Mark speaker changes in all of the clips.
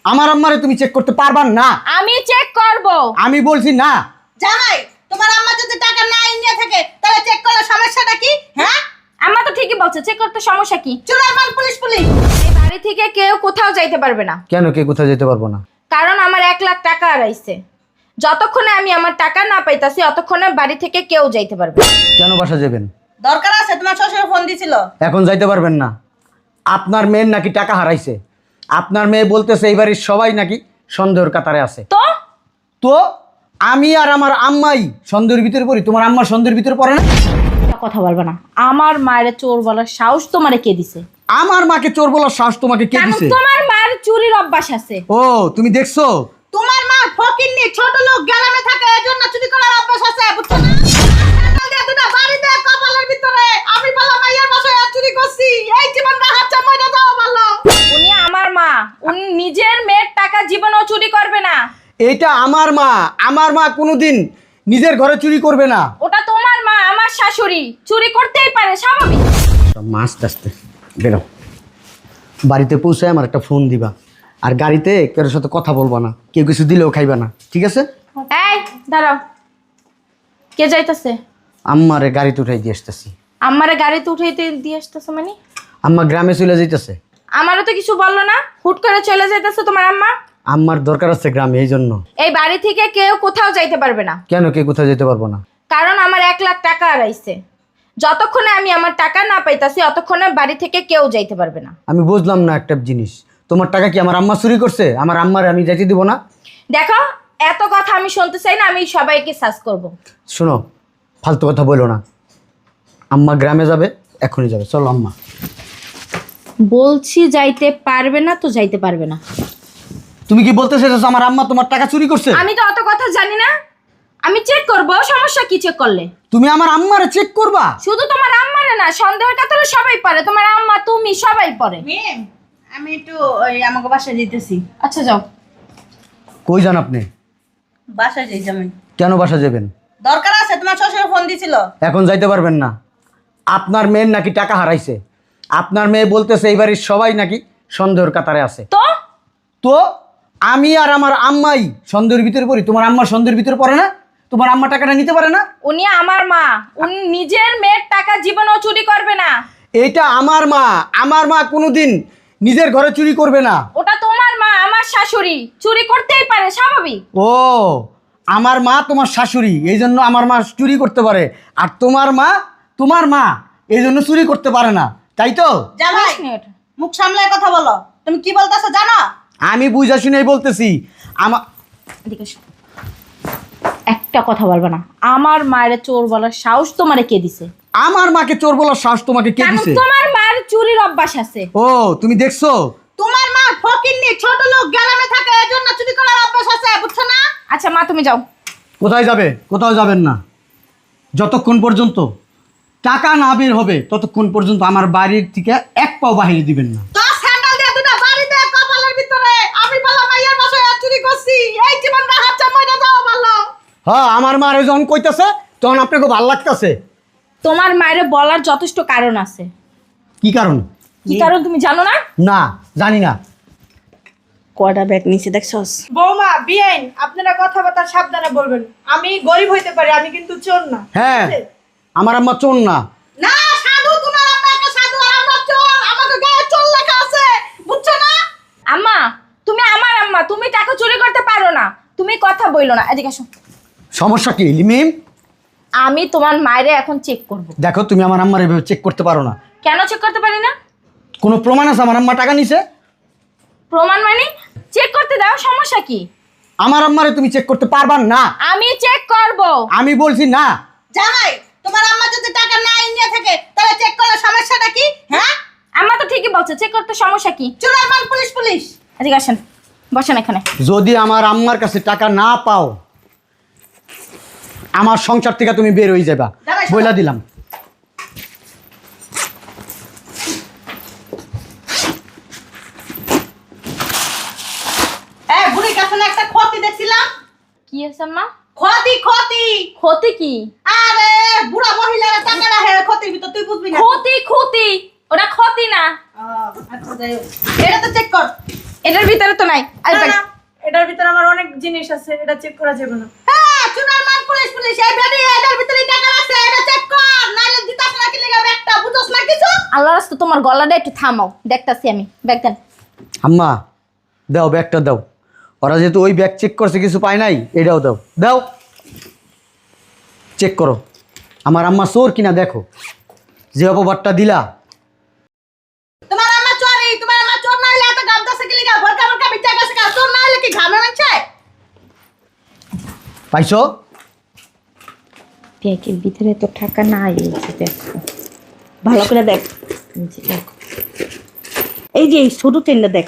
Speaker 1: আমার আম্মারে তুমি চেক করতে পারবা না।
Speaker 2: আমি চেক করব।
Speaker 1: আমি বলছি না।
Speaker 3: জামাই, তোমার আম্মা যদি টাকা না নিয়ে থাকে তাহলে চেক করার সমস্যাটা কি? হ্যাঁ,
Speaker 2: আম্মা তো ঠিকই বলছে, চেক করতে সমস্যা কি?
Speaker 3: চুলার মাল পুলিশ পুলিশ।
Speaker 2: এই বাড়ি থেকে কেউ কোথাও যাইতে পারবে না।
Speaker 1: কেন কে কোথাও যেতে পারবো না?
Speaker 2: কারণ আমার 1,00,000 টাকা হারাইছে। যতক্ষণে আমি আমার টাকা না পাইতাছি ততক্ষণে বাড়ি থেকে কেউ যাইতে পারবে না।
Speaker 1: কেন বাসা যাবেন?
Speaker 3: দরকার আছে, তোমার শ্বশুর ফোন দিছিল।
Speaker 1: এখন যাইতে পারবেন না। আপনার মেয়ের নাকি টাকা হারাইছে। আপনার মেয়ে বলতেছে এই বাড়ির সবাই নাকি সন্দেহের কাতারে আছে।
Speaker 2: তো
Speaker 1: তো আমি আর আমার আম্মাই সন্দেহের ভিতরে পড়ি, তোমার আম্মা সন্দেহের ভিতরে পড়ে না?
Speaker 2: একটা কথা বলবে না। আমার মায়ের চোর বলার সাহস তোমারে কে দিছে?
Speaker 1: আমার মাকে চোর বলার সাহস তোমাকে কে
Speaker 2: কারণ
Speaker 1: দিছে?
Speaker 2: তোমার মার চুরির অভ্যাস আছে।
Speaker 1: ও তুমি দেখছো?
Speaker 3: তোমার মা ফকিন্নি, ছোট লোক, গ্রামে থাকে, এজন্য চুরি করার অভ্যাস আছে, বুঝছো না? সকাল দিয়ে দুটা বাড়িতে কপালের ভিতরে আমি বললাম মাইয়ার বাসায় আর চুরি করছি, এই জীবনটা হাতটা মইরা যাও ভালো।
Speaker 2: উনি আমার মা, উনি নিজের মেয়ের টাকা জীবনেও চুরি করবে না।
Speaker 1: এইটা আমার মা। আমার মা কোনোদিন নিজের ঘরে চুরি করবে না।
Speaker 2: ওটা তোমার মা, আমার শাশুড়ি। চুরি করতেই পারে, স্বাভাবিক।
Speaker 1: মা আস্তে আস্তে বেরো। বাড়িতে পৌঁছে আমার একটা ফোন দিবা, আর গাড়িতে কারোর সাথে কথা বলবা না, কেউ কিছু দিলেও খাইবা না, ঠিক আছে?
Speaker 2: এই দাঁড়াও, কে যাইতাছে?
Speaker 1: আম্মারে গাড়িতে উঠাই দিয়ে আসতেছি।
Speaker 2: আমারে গাড়িতে উঠাইতে দিয়ে আসতেছে মানে?
Speaker 1: আম্মা গ্রামে চলে যাইতেছে।
Speaker 2: আমারও তো কিছু বললো না, হুট করে চলে যাইতেছে তোমার আম্মা।
Speaker 1: আম্মার দরকার আছে গ্রামে, এই জন্য।
Speaker 2: এই বাড়ি থেকে কেউ কোথাও যাইতে পারবে না।
Speaker 1: কেন কে কোথাও যেতে পারবো না?
Speaker 2: কারণ আমার 1,00,000 টাকা হারাইছে। যতক্ষণে আমি আমার টাকা না পাইতাছি ততক্ষণে বাড়ি থেকে কেউ যাইতে পারবে না।
Speaker 1: আমি বুঝলাম না একটা জিনিস, তোমার টাকা কি আমার আম্মা চুরি করছে? আমার আম্মারে আমি যাইতে দিব না?
Speaker 2: দেখো, এত কথা আমি শুনতে চাই না, আমি সবাইকে সার্চ করব।
Speaker 1: শোনো, ফালতু কথা বলো না। আম্মা গ্রামে যাবে, এখনই যাবে। চলো আম্মা।
Speaker 2: বলছি যাইতে পারবে না তো যাইতে পারবে না।
Speaker 1: তুমি কি বলতে চাইছো আমার আম্মা তোমার টাকা চুরি করছে?
Speaker 2: আমি তো অত কথা জানি না, আমি চেক করব। সমস্যা কি চেক করলে?
Speaker 1: তুমি আমার আম্মারে চেক করবা?
Speaker 2: শুধু তোমার আম্মারে না, সন্দেহের কাতরে সবাই পারে। তোমার আম্মা, তুমি, সবাই পারে।
Speaker 3: মিম, আমি একটু ওই আমাকে বাসায় যেতেছি।
Speaker 2: আচ্ছা যাও।
Speaker 1: কই যান আপনি?
Speaker 3: বাসায় যাই জামাই।
Speaker 1: কেন বাসা যাবেন?
Speaker 3: দরকার আছে, তোমার শ্বশুর ফোন দিছিল।
Speaker 1: এখন যাইতে পারবেন না। আপনার মেয়ের নাকি টাকা হারাইছে। আপনার মেয়ে বলতেছে এই বাড়ির সবাই নাকি সন্দেহের কাতারে আছে।
Speaker 2: তো
Speaker 1: তো আমি আর আমার আম্মাই সন্দেহের ভিতরে পড়ি, তোমার আম্মা সন্দেহের ভিতরে পড়ে না? তোমার আম্মা টাকাটা নিতে পারে না?
Speaker 2: উনি আমার মা, উনি নিজের মেয়ের টাকা জীবনেও চুরি করবে না।
Speaker 1: এইটা আমার মা। আমার মা কোনোদিন নিজের ঘরে চুরি করবে না।
Speaker 2: ওটা তোমার মা, আমার শাশুড়ি। চুরি করতেই পারে, স্বাভাবিক।
Speaker 1: ও, আমার মা তোমার শাশুড়ি, এই জন্য আমার মা চুরি করতে পারে। আর তোমার মা এই জন্য চুরি করতে পারে না, তাই তো?
Speaker 3: জামাই,
Speaker 2: 5 মিনিট।
Speaker 3: মুখ সামলায় কথা বলো। তুমি কি বলতেছো জানো?
Speaker 1: আমি বুঝা শুনেই বলতেছি।
Speaker 2: এদিকে এসো। একটা কথা বলবা না। আমার মায়ের চোর বলার সাহস তোমারে কে দিছে?
Speaker 1: আমার মাকে চোর বলার সাহস তোমাকে কে
Speaker 2: কারণ
Speaker 1: দিছে?
Speaker 2: তোমার মার চুরির অভ্যাস আছে।
Speaker 1: ও তুমি দেখছো?
Speaker 3: তোমার মা ফকিন্নি, ছোট লোক, গ্রামে থাকে, এজন্য চুরি করার অভ্যাস আছে, বুঝছো না?
Speaker 2: আচ্ছা মা, তুমি যাও।
Speaker 1: কোথায় যাবে? কোথাও যাবেন না। যতক্ষণ পর্যন্ত টাকা না বের হবে ততক্ষণ পর্যন্ত আমার বাড়ির থেকে এক পাও বাহিরে দিবেন না।
Speaker 3: তো স্যান্ডেল দিয়ে দুটা বাড়িতে কপালের ভিতরে আমি বললাম মাইয়ার বাসায় আর চুরি করছি, এই জীবনটা হাতটা মইরা যাও ভালো।
Speaker 1: হ্যাঁ, আমার মারে যখন কইতাছে তখন আপনাকে ভাল লাগতেছে।
Speaker 2: তোমার মায়ের বলার যথেষ্ট কারণ আছে।
Speaker 1: কি কারণ?
Speaker 2: কি কারণ তুমি জানো না?
Speaker 1: না, জানি না।
Speaker 3: কয়টা ব্যাগ নিচে দেখছস?
Speaker 4: বৌমা, বিআইন, আপনারা কথাবার্তা সাবধানে বলবেন। আমি গরিব হইতে পারি, আমি কিন্তু চোর না।
Speaker 1: হ্যাঁ,
Speaker 4: ঠিক আছে?
Speaker 1: আমার আম্মা চোর না।
Speaker 3: না, সাধু, তোমার আম্মা একটা সাধু আর আমরা চোর, আমাকে গায়ে চোর লেখা আছে, বুঝছো না?
Speaker 2: আম্মা, তুমি আমার আম্মা, তুমি টাকা চুরি করতে পারো না। তুমি কথা বইলো না, এদিকে আসো।
Speaker 1: সমস্যা কি লিমিম?
Speaker 2: আমি তোমার মায়েরে এখন চেক করব।
Speaker 1: দেখো, তুমি আমার আম্মার এভাবে চেক করতে পারো না।
Speaker 2: কেন চেক করতে পারি না?
Speaker 1: কোনো প্রমাণ আছে আমার আম্মা টাকা নিছে?
Speaker 2: প্রমাণ মানে? চেক করতে দাও, সমস্যা কি?
Speaker 1: আমার আম্মারে তুমি চেক করতে পারবা না।
Speaker 2: আমি চেক করব।
Speaker 1: আমি বলছি না।
Speaker 3: জামাই, তোমার আম্মা যদি টাকা না নিয়ে থাকে তাহলে চেক করার সমস্যাটা কি? হ্যাঁ,
Speaker 2: আম্মা তো ঠিকই বলছে, চেক করতে সমস্যা কি?
Speaker 3: চুলার মাল পুলিশ পুলিশ।
Speaker 2: এদিকে আসেন, বসেন এখানে।
Speaker 1: যদি আমার আম্মার কাছে টাকা না পাও, আমার সংসার থেকে তুমি বের হয়ে যাবা,
Speaker 3: যাবাই,
Speaker 1: বইলা দিলাম।
Speaker 3: বুড়ির কাছে না একটা ক্ষতি দেখছিলাম।
Speaker 2: কি আছে আম্মা?
Speaker 3: ক্ষতি ক্ষতি।
Speaker 2: ক্ষতি কি?
Speaker 3: আরে বুড়া মহিলারা টাকা রাখে ক্ষতির ভিতর, তুই বুঝবি না।
Speaker 2: ক্ষতি ক্ষতি, ওটা ক্ষতি না।
Speaker 3: আচ্ছা যাই হোক, এটা তো চেক কর।
Speaker 2: এটার ভিতরে তো নাই আর
Speaker 4: না, না, এটার ভিতরে আমার অনেক জিনিস আছে, এটা চেক করা যাবে না।
Speaker 3: হ্যাঁ চুনার মান পুলিশ পুলিশ এই বেডি এটার ভিতরে টাকা আছে এটা চেক কর নাইলে দিতাস না কি লাগা ব্যাগটা বুঝছস না কিছু
Speaker 2: আল্লাহ রাস্তা তোমার গলাটা একটু থামাও, দেখতাছি আমি। ব্যাগ দেন।
Speaker 1: আম্মা দাও ব্যাগটা দাও। ওরা যেহেতু ওই ব্যাগ চেক করছে কিছু পায় নাই, এটাও দাও দাও। চেক করো আমার আম্মা চোর কিনা দেখো, যে অপবাদটা দিলা।
Speaker 3: তোমার আম্মা চোরি তোমার আম্মা চোর না হইলে এত গামদাসে কি লাগা ভরকা ভরকা বিচ্চা গেছে কা চোর না হইলে কি ঘামে নাছে
Speaker 1: পাইছো?
Speaker 2: ব্যাগের ভিতরে তো টাকা নাই, এই যে দেখো, ভালো করে দেখ। এই যে দেখো, এই যে এই ছোট চেনটা দেখ।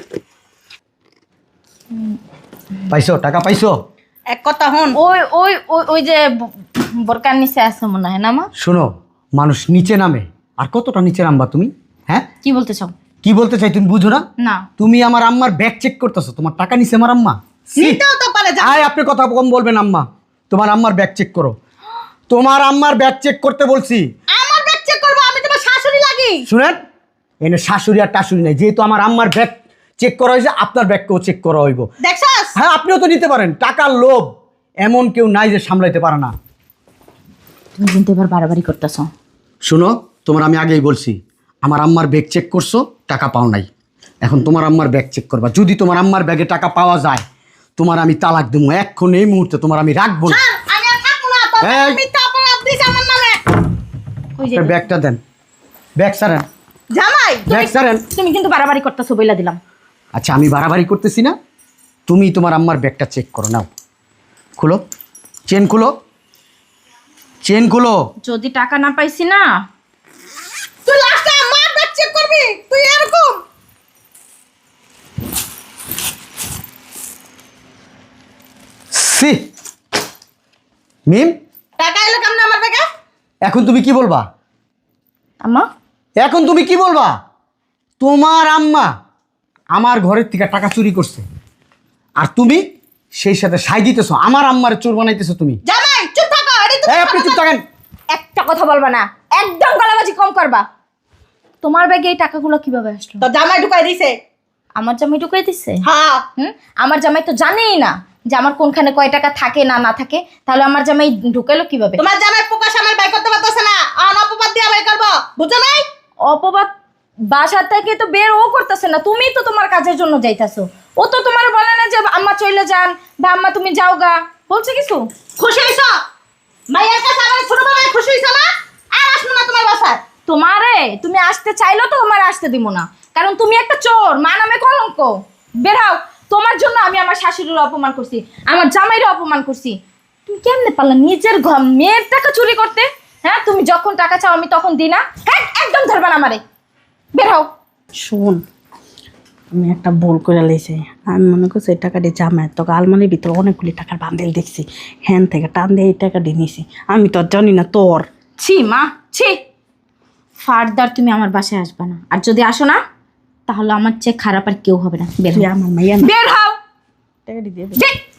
Speaker 1: পাইছো টাকা পাইছো?
Speaker 3: এক কথা হন
Speaker 2: ওই ওই ওই ওই যে বোরকার নিচে আছে মনে হয় না মা?
Speaker 1: শোনো, মানুষ নিচে নামে, আর কতটা নিচে নামবা তুমি? হ্যাঁ
Speaker 2: কি বলতে চাও?
Speaker 1: কি বলতে চাই তুমি বুঝো না?
Speaker 2: না
Speaker 1: তুমি আমার আম্মার ব্যাগ চেক করতেছো, তোমার টাকা নিছে আমার আম্মা? ছি!
Speaker 3: নিতেও তো পারে যা
Speaker 1: আয় আপনি কথা কম বলবেন আম্মা। তোমার আম্মার ব্যাগ চেক করো, তোমার আম্মার ব্যাগ চেক করতে বলছি।
Speaker 3: আমার ব্যাগ চেক করব আমি তোমার শাশুড়ি লাগি
Speaker 1: শুনেন, এনে শাশুড়ি আর টাশুড়ি নাই, যেহেতু আমার আম্মার ব্যাগ চেক করা হয়েছে আপনার ব্যাগকেও চেক করা হইব।
Speaker 3: দেখছস
Speaker 1: হ্যাঁ আপনিও তো নিতে পারেন, টাকার লোভ এমন কেউ নাই যে সামলাইতে পারে না।
Speaker 2: তুমি কিন্তু এবার বাড়াবাড়ি করতেছো।
Speaker 1: শুনো, তোমার আমি আগেই বলছি, আমার আম্মার ব্যাগ চেক করছো, টাকা পাও নাই। এখন তোমার আম্মার ব্যাগ চেক করবা, যদি তোমার আম্মার ব্যাগে টাকা পাওয়া যায় তোমার আমি তালাক দেবো এখন, এই মুহূর্তে তোমার আমি রাখবো না।
Speaker 3: স্যার আমি আর থাকবো না তো
Speaker 1: এই!
Speaker 3: মিথ্যা অপরাধ দিছ আমার নামে
Speaker 2: ওই যে
Speaker 1: আপনার ব্যাগটা দেন, ব্যাগ সারেন,
Speaker 3: জামাই
Speaker 1: ব্যাগ সারেন।
Speaker 2: তুমি কিন্তু বাড়াবাড়ি করতেছো বইলা দিলাম।
Speaker 1: আচ্ছা আমি বাড়াবাড়ি করতেছি না, তুমি তোমার আম্মার ব্যাগটা চেক করো, নাও খুলো, চেন খুলো, চেন খুলো।
Speaker 2: যদি টাকা না পাইছি না,
Speaker 3: তুই লাস্টে আমার ব্যাগ চেক করবি তুই এরকম
Speaker 1: সি মিম,
Speaker 3: টাকা এলো কেমন আমার ব্যাগে
Speaker 1: এখন তুমি কি বলবা?
Speaker 2: আম্মা
Speaker 1: এখন তুমি কি বলবা? তোমার আম্মা আমার ঘরের থেকে টাকা চুরি করছে, আর তুমি সেই সাথে সাই দিতেছো, আমার আম্মার চোর বানাইতেছো তুমি।
Speaker 3: জামাই চুপ থাকো এডি
Speaker 1: এই আপনি চুপ থাকেন।
Speaker 2: একটা কথা বলবা না, একদম গলাবাজি কম করবা। তোমার ব্যাগে এই টাকাগুলো কিভাবে আসলো?
Speaker 3: তো জামাই ঢুকাই দিছে
Speaker 2: আমার জামাই ঢুকাই দিচ্ছে?
Speaker 3: হ্যাঁ
Speaker 2: আমার জামাই তো জানেই না যে আমার কোনখানে কয় টাকা থাকে না না থাকে, তাহলে আমার জামাই ঢুকাইলো কিভাবে?
Speaker 3: তোমার জামাই প্রকাশ আমার বাই করতে পারতেছে না আর অপবাদ দিয়ে বাই করব বুঝছো নাই
Speaker 2: অপবাদ বাসা থেকে তো বের ও করতেছে না, তুমি তো তোমার কাজের জন্য যাইতাছো। ও তো তোমার বলে না যে আম্মা চলে যান বা আম্মা তুমি যাও গা, বলছে কিছু?
Speaker 3: খুশি হইছো মাইয়ার কাছে আমার ছোটবেলায় খুশি হইছো না আর আসবো না তোমার বাসায়
Speaker 2: তোমারে তুমি আসতে চাইলেও তো তোমার আসতে দিব না, কারণ তুমি একটা চোর, মা নামে কলঙ্ক। বের হও, তোমার জন্য আমি আমার শাশুড়ির অপমান করছি, আমার জামাইরে অপমান করছি। তুমি কেমনে পারলা নিজের মেয়ের টাকা চুরি করতে? হ্যাঁ, তুমি যখন টাকা চাও আমি তখন দিই না? হ্যাঁ, একদম ধরবা না আমারে। বের হও।
Speaker 5: শোন, আমি একটা ভুল করে লেছি। আমি মনে করছি এই টাকাটি জামাই, তোকে আলমারির ভিতরে অনেকগুলি টাকার বান্ডেল দেখছি, হ্যান থেকে টান দিয়ে এই টাকাটি নিয়েছি। আমি তো আর জানি না তোর।
Speaker 2: ছি মা, ছি। ফার্দার তুমি আমার বাসায় আসবে না, আর যদি আসো না তাহলে আমার চেয়ে খারাপ আর কেউ হবে না। বের
Speaker 5: তুই
Speaker 2: হও।
Speaker 5: আমার মাইয়া না।
Speaker 2: বের হও।
Speaker 5: টাকাটি দিয়ে দে।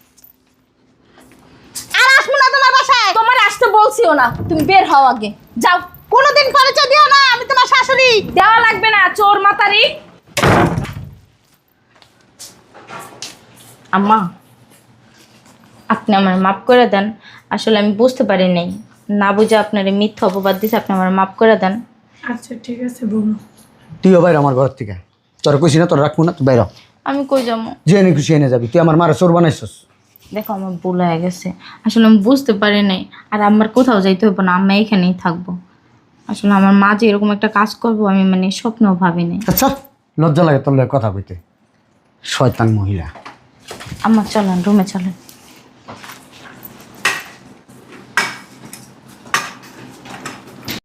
Speaker 3: আর আসবো না তোমার বাসায়
Speaker 2: তোমার আসতে বলছিও না, তুমি বের হও আগে, যাও।
Speaker 3: কোনোদিন পরিচয় দিও না আমি তোমার শাশুড়ি
Speaker 2: দেওয়া লাগবে না, চোর মাতারি। আম্মা, আপনি আমার মাফ করে দেন। আসলে আমি বুঝতে পারি নাই, না বুঝে আপনার এই মিথ্যা অপবাদ দিছে, আপনি আমার মাফ করে দেন।
Speaker 4: আচ্ছা ঠিক আছে বলো।
Speaker 1: তুইও বাইর আমার ঘর থেকে, তোর কইছি না তোর রাখবো না, তুই বাইর হ।
Speaker 2: আমি কই যাবো?
Speaker 1: যে এনে খুশি এনে যাবি, তুই আমার মারা চোর বানাইছস।
Speaker 2: দেখো আমার ভুল হয়ে গেছে, আসলে আমি বুঝতে পারি নাই। আর আমার কোথাও যাইতে হবে না, আমি এখানেই থাকবো। আসলে আমার মা যে এরকম একটা কাজ করবো আমি মানে স্বপ্নেও ভাবি নাই।
Speaker 1: আচ্ছা লজ্জা লাগে তোর লগে কথা কইতে, শয়তান মহিলা।
Speaker 2: আমার চলেন, রুমে চলেন।